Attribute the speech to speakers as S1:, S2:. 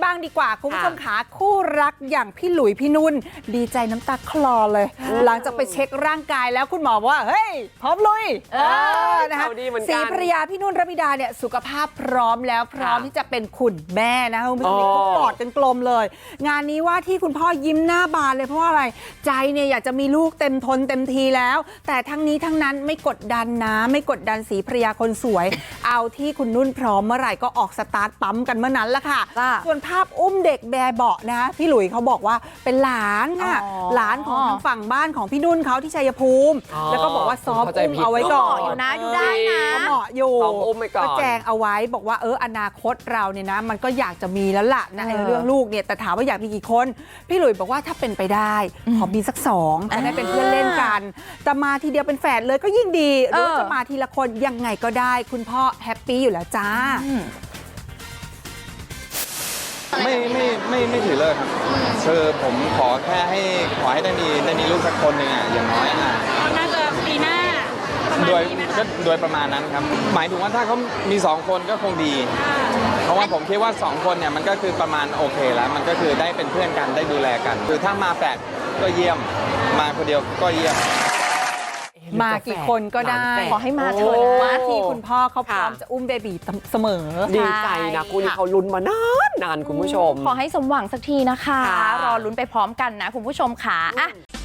S1: บ้างดีกว่าคุณผู้ชมขาคู่รักอย่างพี่หลุยพี่นุ่นดีใจน้ำตาคลอเลยหลังจากไปเช็คร่างกายแล้วคุณหมอบอกว่าเฮ้ยพร้อมลุยนะคะศรีภรรยาพี่นุ่นระมิดาเนี่ยสุขภาพพร้อมแล้วพร้อมที่จะเป็นคุณแม่นะคะคุณผู้ชมเขากอดกันกลมเลยงานนี้ว่าที่คุณพ่อยิ้มหน้าบานเลยเพราะว่าอะไรใจเนี่ยอยากจะมีลูกเต็มทนเต็มทีแล้วแต่ทั้งนี้ทั้งนั้นไม่กดดันนะไม่กดดันศรีภรรยาคนสวยเอาที่คุณนุ่นพร้อมเมื่อไหร่ก็ออกสตาร์ทปั๊มกันเมื่อนั้นละค่ะส่วนภาพอุ้มเด็กแบเบาะนะพี่หลุยเขาบอกว่าเป็นหลานค่ะหลานของทางฝั่งบ้านของพี่นุ่นเขาที่ชัยภูมิแล้วก็บอกว่าซ้อมอุ้มเอาไว้ก่อน
S2: อยู่นะดูได้นะ
S1: ก็เหมาะอยู่
S3: ซ้อมอุ้มไปก่อน
S1: ก็แจงเอาไว้บอกว่าอนาคตเราเนี่ยนะมันก็อยากจะมีแล้วล่ะนะเรื่องลูกเนี่ยแต่ถามว่าอยากมีกี่คนพี่หลุยบอกว่าถ้าเป็นไปได้ขอมีสัก2จะได้เป็นเพื่อนเล่นกันแต่มาทีเดียวเป็นแฝดเลยก็ยิ่งดีหรือจะมาทีละคนยังไงก็ได้คุณพ่อแฮปปี้อยู่แล้วจ้า
S4: ไม่ถือเลิกครับคือผมขอให้ได้มีลูกสักคนหนึ่งอย่างน้อย
S2: น่าจะปีหน้า
S4: โดยประมาณนั้นครับหมายถึงว่าถ้าเขามี2คนก็คงดีเพราะว่าผมคิดว่า2คนเนี่ยมันก็คือประมาณโอเคแล้วมันก็คือได้เป็นเพื่อนกันได้ดูแลกันคือถ้ามา8ก็เยี่ยมมาคนเดียวก็เยี่ยม
S1: มากี่คนก็ได้
S2: ขอให้มาเถอะ
S1: ว่าที่คุณพ่อเขาพร้อมจะอุ้มเบบีเสมอ
S3: ดีใจนะคู่นี้เขาลุ้นมานานคุณผู้ชม
S2: ขอให้สมหวังสักทีนะคะรอลุ้นไปพร้อมกันนะคุณผู้ชมค่ะ